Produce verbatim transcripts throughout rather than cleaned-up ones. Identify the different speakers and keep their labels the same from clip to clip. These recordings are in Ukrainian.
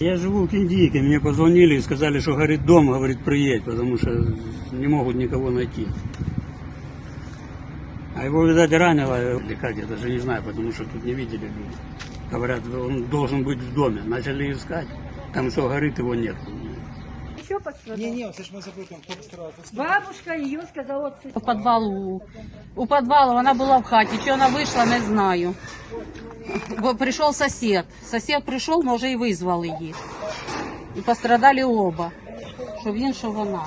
Speaker 1: Я живу в Киндийке, мне позвонили и сказали, что горит дом, говорит, приедь, потому что не могут никого найти. А его, видать, ранило, или как, я даже не знаю, потому что тут не видели люди. Говорят, он должен быть в доме. Начали искать, там что горит, его нет.
Speaker 2: Еще пострадал?
Speaker 3: Не, не, це ж ми запитуємо, хто пострадав.
Speaker 2: Бабушка ее сказала,
Speaker 4: У підвалу, у підвалу вона була в хаті, чи вона вийшла, не знаю. Бо прийшов сусід, сусід прийшов, може і визвали їх. І пострадали оба, що він, що вона.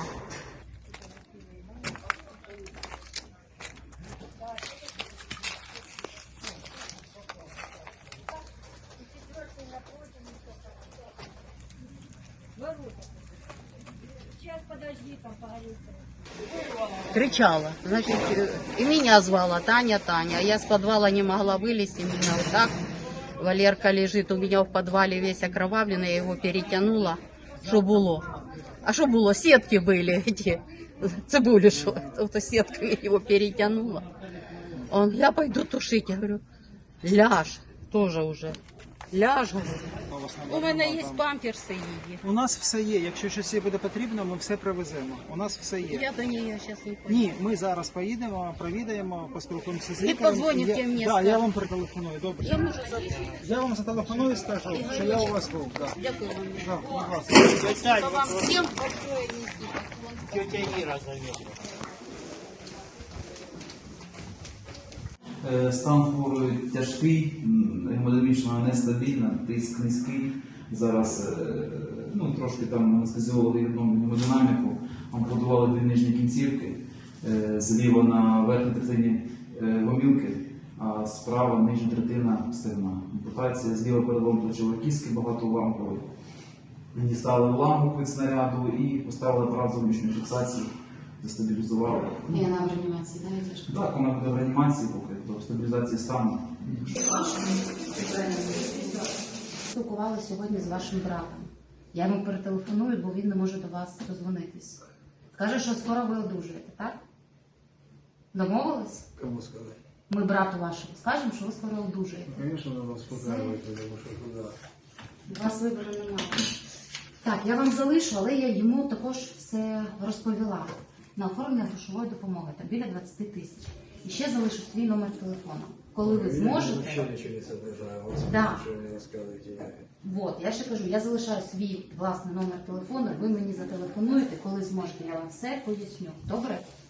Speaker 2: сейчас подожди, там поговорим.
Speaker 4: Кричала, значит, и меня звала Таня, Таня. Я с подвала не могла вылезти, меня вот так. Валерка лежит у меня в подвале весь окровавленный, я его перетянула. Что было? А что было? Сетки были эти, цибули, что это сетками его перетянула. Он, я пойду тушить, я говорю, ляж, тоже уже. Ляж, говорю. У мене є памперси її.
Speaker 3: У нас все є. Якщо щось їй буде потрібно, ми все привеземо. У нас все є.
Speaker 4: Я до неї зараз не поїду.
Speaker 3: Ні, ми зараз поїдемо, провідаємо, поспілкуємося з
Speaker 4: І
Speaker 3: лікарем.
Speaker 4: подзвоніть
Speaker 3: Я-
Speaker 4: мені,
Speaker 3: Да,
Speaker 4: скажете.
Speaker 3: я вам перетелефоную, добре.
Speaker 4: Я можу залишити.
Speaker 3: Я вам зателефоную і скажу, що я у вас був. Да.
Speaker 4: Дякую вам.
Speaker 3: Да, будь ласка.
Speaker 4: Вам всім большое низкий поклон.
Speaker 5: Е, Стан хворої тяжкий, м, гемодинамічно нестабільна, тиск низький. Зараз е, ну, трошки там анестезіологи відновлюють гемодинаміку, ампутували дві нижні кінцівки, е, зліва на верхній третині е, гомілки, а справа нижня третина стегна. Ампутація зліва перелом плечової кістки багатоуламкової. Дістали уламок від снаряду і поставили апарат зовнішньої фіксації, застабілізували.
Speaker 4: І вона в реанімації, да, йдеш?
Speaker 5: Так, вона буде в реанімації поки до стабілізації стану.
Speaker 6: Спілкувалася сьогодні з вашим братом. Я йому перетелефоную, бо він не може до вас дозвонитись. Каже, що скоро ви одужаєте, так? Домовились?
Speaker 7: Кому сказать?
Speaker 6: Ми брату вашому скажемо, що ви скоро одужаєте.
Speaker 7: Конечно, надо успокаивать, потому что куда.
Speaker 6: У вас вибору немає. Так, я вам залишу, але я йому також все розповіла. На оформлення грошової допомоги, там біля двадцять тисяч. І ще залишу свій номер телефону. Коли ви
Speaker 7: Я
Speaker 6: зможете...
Speaker 7: вообще ничего не соображаю, вот
Speaker 6: Да.
Speaker 7: ничего не рассказывайте.
Speaker 6: Вот, я ще кажу, я залишаю свій власний номер телефону, ви мені зателефонуєте, коли зможете, я вам все поясню. Добре?